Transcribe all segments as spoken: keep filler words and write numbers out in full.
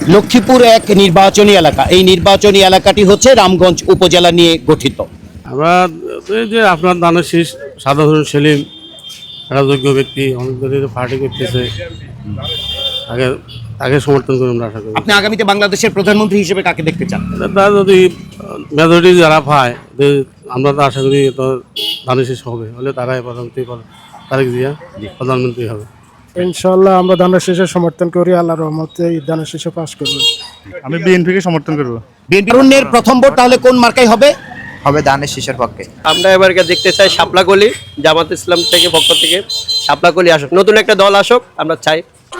লক্ষ্মীপুর এক নির্বাচনী এলাকা। এই নির্বাচনী এলাকাটি হচ্ছে রামগঞ্জ উপজেলা নিয়ে গঠিত। আমরা এই যে আপনার দানের শীষ সাধারণ সেলিম একটা যোগ্য ব্যক্তি, অনেক ধরে পার্টি করতেছে, তাকে তাকে সমর্থন করে আমরা আশা করি। আপনি আগামীতে বাংলাদেশের প্রধানমন্ত্রী হিসেবে কাকে দেখতে চান? তারা যদি মেজরিটি যারা পায়, যে আমরা তো আশা করি তো দানের শীষ হবে, হলে তারাই প্রধানমন্ত্রী, তারেক জিয়া প্রধানমন্ত্রী হবে ইনশাআল্লাহ। আমরা ধানের শীষে সমর্থন করি, আল্লাহর রহমতে এই ধানের শীষে পাস করব। আমি বিএনপিকে সমর্থন করব। বিএনপির প্রথম ভোট তাহলে কোন মার্কায় হবে? হবে ধানের শীষের পক্ষে। আমরা এবারকে দেখতে চাই শাপলাকলি জামাত ইসলাম থেকে পক্ষ থেকে শাপলাকলি আসুক, নতুন একটা দল আসুক আমরা চাই।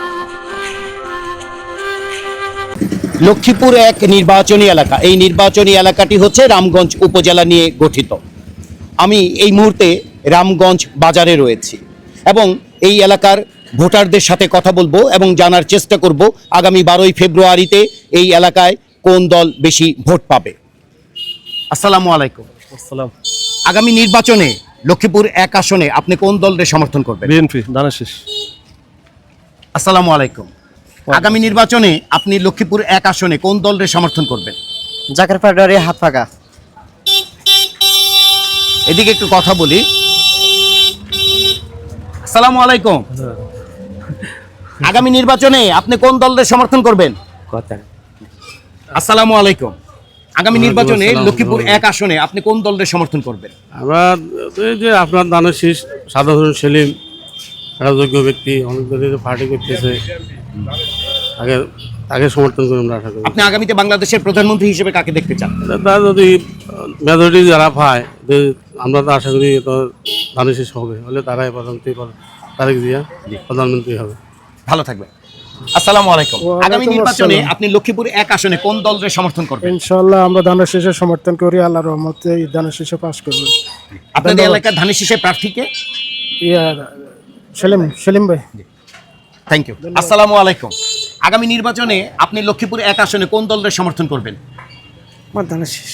লক্ষ্মীপুর এক নির্বাচনী এলাকা। এই নির্বাচনী এলাকাটি হচ্ছে রামগঞ্জ উপজেলা নিয়ে গঠিত। আমি এই মুহূর্তে রামগঞ্জ বাজারে রয়েছি এবং এই এলাকার ভোটারদের সাথে কথা বলবো এবং জানার চেষ্টা করব আগামী বারোই ফেব্রুয়ারিতে এই এলাকায় কোন দল বেশি ভোট পাবে। আসসালামু আলাইকুম। আসসালাম। আগামী নির্বাচনে লক্ষ্মীপুর এক আসনে আপনি কোন দলের সমর্থন করবেন? বিএনপি ধানের শীষ। আসসালামু আলাইকুম। আগামী নির্বাচনে আপনি লক্ষ্মীপুর এক আসনে কোন দলের সমর্থন করবেন? জাকের পাউডারে হাত ফাঁকা। এদিকে একটু কথা বলি। আসসালামু আলাইকুম। আগামী নির্বাচনে আপনি কোন দলের সমর্থন করবেন? আসসালামু আলাইকুম। আগামী নির্বাচনে লক্ষ্মীপুর এক আসনে আপনি কোন দলের সমর্থন করবেন? আমরা এই যে আপনার দানের শীষ সাধারণ সেলিম একটা যোগ্য ব্যক্তি, অনেক ধরে পার্টি করতেছে, তাকে তাকে সমর্থন করে আমরা আশা করি। আপনি আগামীতে বাংলাদেশের প্রধানমন্ত্রী হিসেবে কাকে দেখতে চান? তারা যদি মেজরিটি যারা পায়, যে আমরা তো আশা করি তো ধানের শীষ হবে, হলে তারাই প্রধানমন্ত্রী, তারেক জিয়া প্রধানমন্ত্রী হবে। ভালো থাকবেন। আসসালামু আলাইকুম। আগামী নির্বাচনে আপনি লক্ষ্মীপুর এক আসনে কোন দলের সমর্থন করবেন? ইনশাআল্লাহ আমরা ধানের শীষে সমর্থন করি, আল্লাহর রহমতে এই ধানের শীষে পাস করব। আপনাদের এলাকার ধানের শীষের প্রার্থীকে? ইয়া সেলিম সেলিম ভাই। Thank you. আসসালামু আলাইকুম। আগামী নির্বাচনে আপনি লক্ষ্মীপুর এক আসনে কোন দলের সমর্থন করবেন? আমার ধানের শীষ।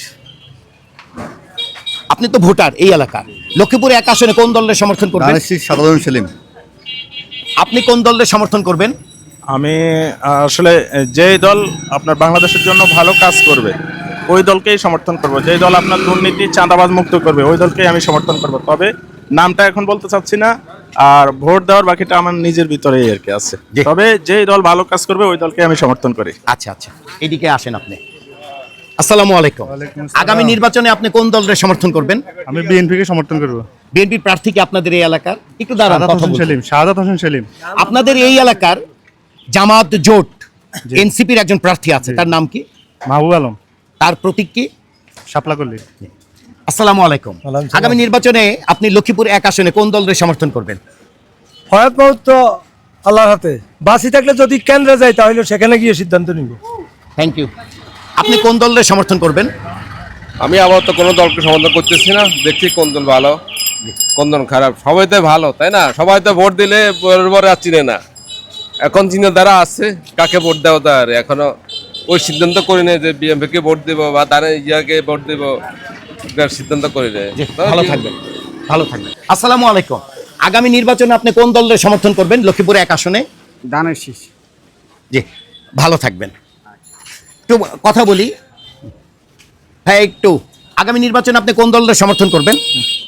আপনি তো ভোটার এই এলাকার। লক্ষ্মীপুর এক আসনে কোন দলের সমর্থন করবেন? ধানের শীষ সাধারণ সেলিম। আপনি কোন দলের সমর্থন করবেন? আমি আসলে যেই দল আপনার বাংলাদেশের জন্য ভালো কাজ করবে ওই দলকেই সমর্থন করব। যেই দল আপনার দুর্নীতি চাঁদাবাজ মুক্ত করবে ওই দলকেই আমি সমর্থন করব। তবে নামটা এখন বলতে চাচ্ছি না, আর ভোট দেওয়ার বাকিটা আমার নিজের ভিতরেই আর কি আছে। তবে যেই দল ভালো কাজ করবে ওই দলকে আমি সমর্থন করি। আচ্ছা আচ্ছা, এদিকে আসেন আপনি। আসসালামু আলাইকুম। আগামী নির্বাচনে আপনি কোন দলের সমর্থন করবেন? আমি বিএনপিকে সমর্থন করব। বিএনপির প্রার্থীকে আপনাদের এই এলাকার? একটু দাঁড়ান, শাহাদাত কথা হোসেন বলবো। সেলিম। শাহাদাত হোসেন সেলিম। আপনাদের এই এলাকার জামাত জোট এনসিপির একজন প্রার্থী আছে, তার নাম কি? মাহবুব আলম। তার প্রতীক কি? শাপলাকলি। আসসালামু আলাইকুম। আগামী নির্বাচনে আপনি লক্ষ্মীপুর এক আসনে কোন দলের সমর্থন করবেন? হয়াত মউত তো আল্লাহর হাতে। বাঁচি থাকলে যদি কেন্দ্রে যাই তাহলে সেখানে গিয়ে সিদ্ধান্ত নিব। Thank you. আপনি কোন দলের সমর্থন করবেন? আমি আবার তো কোনো দলকে সমর্থন করতেছি না, দেখছি কোন দল ভালো কোন দল খারাপ। সবাই তো ভালো, তাই না? সবাই তো ভোট দিলে পরে আর চিনে না। এখন চিন্তাধারা আছে কাকে ভোট দেওয়া, তার এখনো ওই সিদ্ধান্ত করি না যে বিএমপিকে ভোট দেবো বা দানে ইয়াকে ভোট দেবো, সিদ্ধান্ত করি না। ভালো থাকবেন, ভালো থাকবেন। আসসালামু আলাইকুম। আগামী নির্বাচনে আপনি কোন দলের সমর্থন করবেন লক্ষ্মীপুর এক আসনে? ধানের শীষ। জি, ভালো থাকবেন। একটু কথা বলি হ্যাঁ একটু। আগামী নির্বাচনে আপনি কোন দলের সমর্থন করবেন?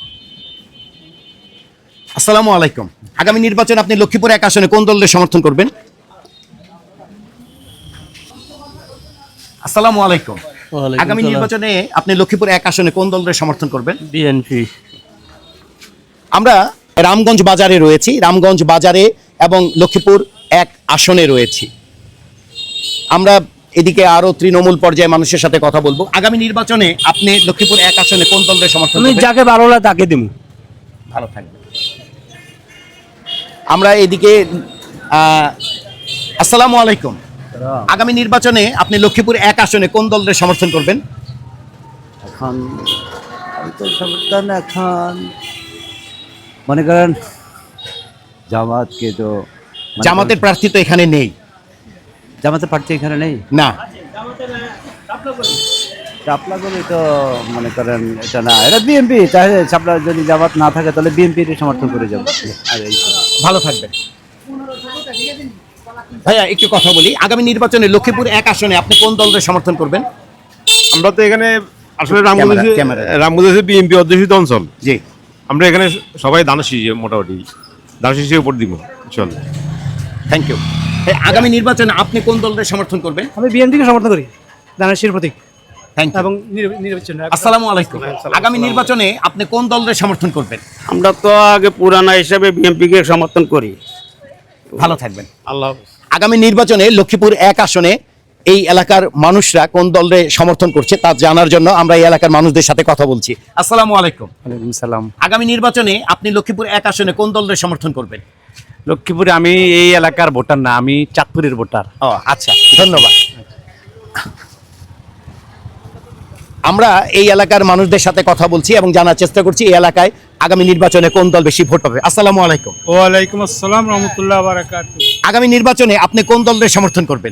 আসসালামু আলাইকুম। আগামী নির্বাচনে আপনি লক্ষ্মীপুর এক আসনে কোন দলের সমর্থন করবেন? আসসালামু আলাইকুম। আগামী নির্বাচনে আপনি লক্ষ্মীপুর এক আসনে কোন দলের সমর্থন করবেন? বিএনপি। আমরা রামগঞ্জ বাজারে রয়েছি, রামগঞ্জ বাজারে এবং লক্ষ্মীপুর এক আসনে রয়েছি। আমরা এদিকে আরো তৃণমূল পর্যায়ে মানুষের সাথে কথা বলবো। আগামী নির্বাচনে আপনি লক্ষ্মীপুর এক আসনে কোন দলের সমর্থন করবেন? যাকে ভালো লাগে তাকে দিব। ভালো থাকবেন। আমরা এদিকে আহ আসসালামু আলাইকুম। আগামী নির্বাচনে আপনি লক্ষ্মীপুর এক আসনে কোন দলের সমর্থন করবেন? এখন আমি তো সমর্থন এখন মনে করেন জামাতকে তো। জামাতের প্রার্থী তো এখানে নেই। জামাতের প্রার্থী এখানে নেই না। চাপলাগুলি তো মনে করেন এটা না, এটা বিএনপি। তাহলে চাপলা যদি জামাত না থাকে তাহলে বিএনপির সমর্থন করে যাবো। আর এই ভালো থাকবেন। ভাইয়া একটু কথা বলি, আগামী নির্বাচনে লক্ষ্মীপুর এক আসনে আপনি কোন দলের সমর্থন করবেন? আমরা তো এখানে আসলে Ramganj camera, camera. Ramganj BNP অধ্যুষিত অঞ্চল। জি, আমরা এখানে সবাই ধানের শীষ মোটামুটি ধানের শীষের উপর দিব চল। Thank you. আগামী নির্বাচনে আপনি কোন দলের সমর্থন করবেন? আমি বিএনপিকে সমর্থন করি, ধানের শীষ প্রতীক থ্যাংক ইউ। এবং নির্বাচন। আসসালামু আলাইকুম। আগামী নির্বাচনে আপনি কোন দলের সমর্থন করবেন? আমরা তো আগে পুরানা হিসাবে বিএনপিকে সমর্থন করি। ভালো থাকবেন। আল্লাহ আগামী নির্বাচনে লক্ষ্মীপুর এক আসনে এই এলাকার মানুষরা কোন দলের সমর্থন করছে তা জানার জন্য আমরা এই এলাকার মানুষদের সাথে কথা বলছি। আসসালামু আলাইকুম। ওয়ালাইকুম সালাম। আগামী নির্বাচনে আপনি লক্ষ্মীপুর এক আসনে কোন দলের সমর্থন করবেন? লক্ষ্মীপুরে আমি এই এলাকার ভোটার না, আমি চাঁদপুরের ভোটার। ও আচ্ছা, ধন্যবাদ। আমরা এই এলাকার মানুষদের সাথে কথা বলছি এবং জানার চেষ্টা করছি এই এলাকায় আগামী নির্বাচনে কোন দল বেশি ভোট পাবে। আসসালামু আলাইকুম। ওয়ালাইকুম আসসালাম রহমতুল্লাহ বারাকাতু। আগামী নির্বাচনে আপনি কোন দলের সমর্থন করবেন?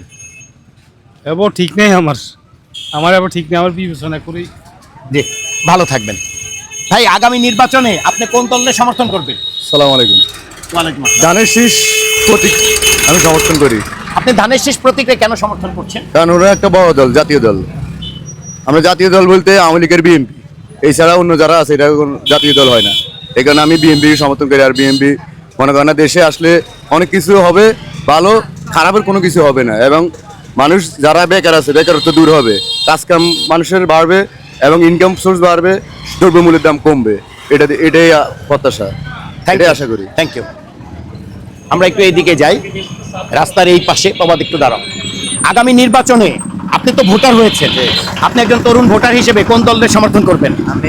এবার ঠিক নেই আমার, আমার এবার ঠিক নেই, আমার বিবেচনা করি। জি, ভালো থাকবেন। ভাই, আগামী নির্বাচনে আপনি কোন দলের সমর্থন করবেন? সালাম আলাইকুম। ওয়ালাইকুম আসসালাম। ধানের শীষ প্রতীক আমি সমর্থন করি, আপনি ধানের শীষ প্রতীকে কেন সমর্থন করছেন? কারণ ওরা একটা বড় দল, জাতীয় দল। আমরা জাতীয় দল বলতে আওয়ামী লীগের বিএনপি, এছাড়া অন্য যারা আছে এটা কোনো জাতীয় দল হয় না। এই কারণে আমি বিএনপি সমর্থন করি। আর বিএনপি মনে করেন না, দেশে আসলে অনেক কিছু হবে, ভালো খারাপের কোনো কিছু হবে না, এবং মানুষ যারা বেকার আছে বেকারত্ব দূর হবে, কাজকাম মানুষের বাড়বে এবং ইনকাম সোর্স বাড়বে, দ্রব্যমূল্যের দাম কমবে। এটা এটাই প্রত্যাশা, এটাই আশা করি। Thank you. আমরা একটু এইদিকে যাই, রাস্তার এই পাশে। প্রবাদ একটু দাঁড়াও। আগামী নির্বাচনে আপনি তো ভোটার হয়েছেন, আপনি একজন তরুণ ভোটার হিসেবে কোন দলের সমর্থন করবেন? আমি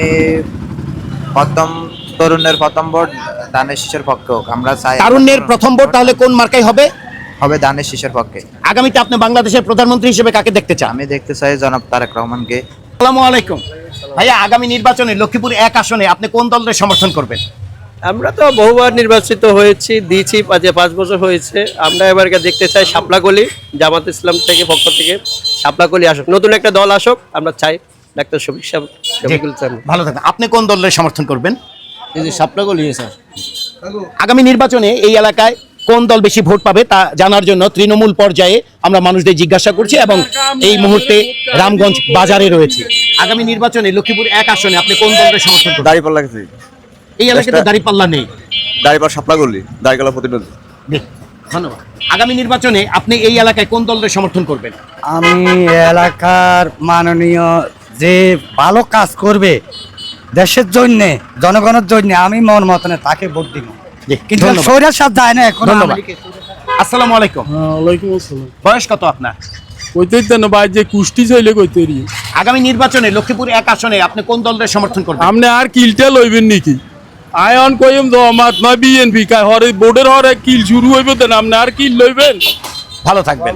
প্রথম তরুণের প্রথম ভোট ধানের শীষের পক্ষে হোক। আমরা চাই তারুণ্যের প্রথম ভোট তাহলে কোন মার্কায় হবে? হবে ধানের শীষের পক্ষে। আগামীতে আপনি বাংলাদেশের প্রধানমন্ত্রী হিসেবে কাকে দেখতে চান? আমি দেখতে চাই জনাব তারেক রহমানকে। আসসালামু আলাইকুম। ভাইয়া, আগামী নির্বাচনে লক্ষ্মীপুর এক আসনে আপনি কোন দলের সমর্থন করবেন? আমরা তো বহুবার নির্বাচিত হয়েছি, দিয়েছি, পাঁচ পাঁচ বছর হয়েছে। আমরা এবারকে দেখতে চাই শাপলাকলি জামাত ইসলাম থেকে পক্ষ থেকে শাপলাকলি আসুক, নতুন একটা দল আসুক। আমরা চাই ডাক্তার শফিক সাহেব, শফিকুল ইসলাম। ভালো থাকবেন। আপনি কোন দলের সমর্থন করবেন? এই যে শাপলাকলি স্যার। আগামী নির্বাচনে এই এলাকায় কোন দল বেশি ভোট পাবে তা জানার জন্য তৃণমূল পর্যায়ে আমরা মানুষদের জিজ্ঞাসা করছি এবং এই মুহূর্তে রামগঞ্জ বাজারে রয়েছে। আগামী নির্বাচনে লক্ষ্মীপুর এক আসনে আপনি কোন দলের সমর্থন করবেন? দাঁড়িপাল্লা গেছি, এই এলাকায় তো দাঁড়িপাল্লা নেই। দাঁড়িপাল্লা সাপলা করলি, দাঁড়িপাল্লা প্রতিনিধি। জি, ধন্যবাদ। আগামী নির্বাচনে আপনি এই এলাকায় কোন দলের সমর্থন করবেন? আমি এলাকার মাননীয় যে ভালো কাজ করবে দেশের জন্য, জনগণের জন্য, আমি মন মতনে তাকে ভোট দিব। জি, কিন্তু ধন্যবাদ। সৈরার সাথ যায় না এখন। ধন্যবাদ। আসসালামু আলাইকুম। ওয়ালাইকুম আসসালাম। বয়স কত আপনার? কইতেই তো না ভাই, যে কুষ্টি চাইলে কইতে রি আগামী নির্বাচনে লক্ষ্মীপুর এক আসনে আপনি কোন দলের সমর্থন করবেন? আপনি আর কিলটা লইবেন নাকি? আয়ন কইম জমাত নয় বিএনপি কাই হরে বোর্ডের হরে কিল শুরু হইব, দেন আপনি আর কিল লইবেন? ভালো থাকবেন।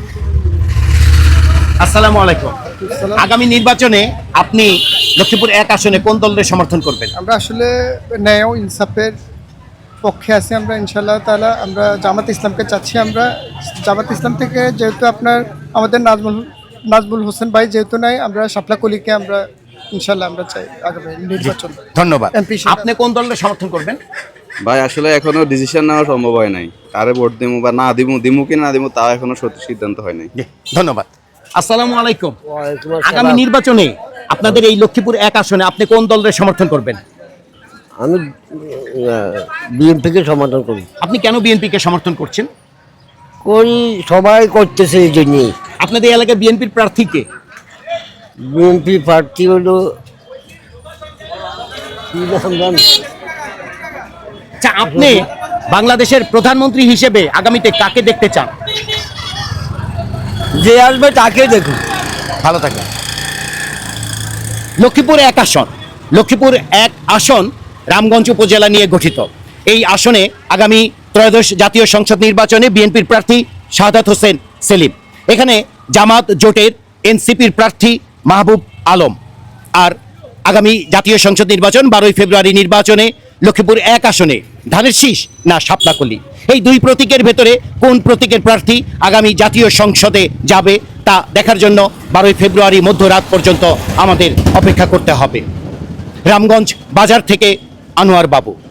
আসসালামু আলাইকুম। আগামী নির্বাচনে আপনি লক্ষ্মীপুর এক আসনে কোন দলের সমর্থন করবেন? আমরা আসলে ন্যায় ও ইনসাফের পক্ষে আছি। আমরা ইনশাআল্লাহ তাআলা আমরা জামাত ইসলামকে চাচ্ছি। আমরা জামাত ইসলাম থেকে যেহেতু আপনার আমাদের নাজমুল নাজমুল হোসেন ভাই যেহেতু নাই, আমরা শাপলাকলিকে আমরা ইনশাআল্লাহ আমরা চাই আগামী নির্বাচন। ধন্যবাদ। এমপি সাহেব। আপনি কোন দলের সমর্থন করবেন? ভাই আসলে এখনো ডিসিশন নেওয়া সম্ভব হয় নাই, কারে ভোট দিমু বা না দিমু, দিমু কি না দিমু তা এখনো সত্যি সিদ্ধান্ত হয় নাই। জি, ধন্যবাদ। আসসালামু আলাইকুম। আগামী নির্বাচনে আপনাদের এই লক্ষ্মীপুর এক আসনে আপনি কোন দলের সমর্থন করবেন? আমি বিএনপিকে সমর্থন করি। আপনি কেন বিএনপিকে সমর্থন করছেন? করি, সবাই করতেছে এই জন্য। আপনাদের এই এলাকায় বিএনপির প্রার্থী কে? বিএনপি প্রার্থী হলো কি নাম জানি? আচ্ছা, আপনি বাংলাদেশের প্রধানমন্ত্রী হিসেবে আগামীতে কাকে দেখতে চান? যে আসবে তাকে দেখুন। ভালো থাকবেন। লক্ষ্মীপুর এক আসন, লক্ষ্মীপুর এক আসন রামগঞ্জ উপজেলা নিয়ে গঠিত। এই আসনে আগামী ত্রয়োদশ জাতীয় সংসদ নির্বাচনে বিএনপির প্রার্থী শাহাদাত হোসেন সেলিম, এখানে জামাত জোটের এনসিপির প্রার্থী মাহবুব আলম। আর আগামী জাতীয় সংসদ নির্বাচন বারোই ফেব্রুয়ারি নির্বাচনে লক্ষ্মীপুর এক আসনে ধানের শীষ না শাপলাকলি, এই দুই প্রতীকের ভেতরে কোন প্রতীকের প্রার্থী আগামী জাতীয় সংসদে যাবে তা দেখার জন্য বারোই ফেব্রুয়ারি মধ্যরাত পর্যন্ত আমাদের অপেক্ষা করতে হবে। রামগঞ্জ বাজার থেকে আনোয়ার বাবু।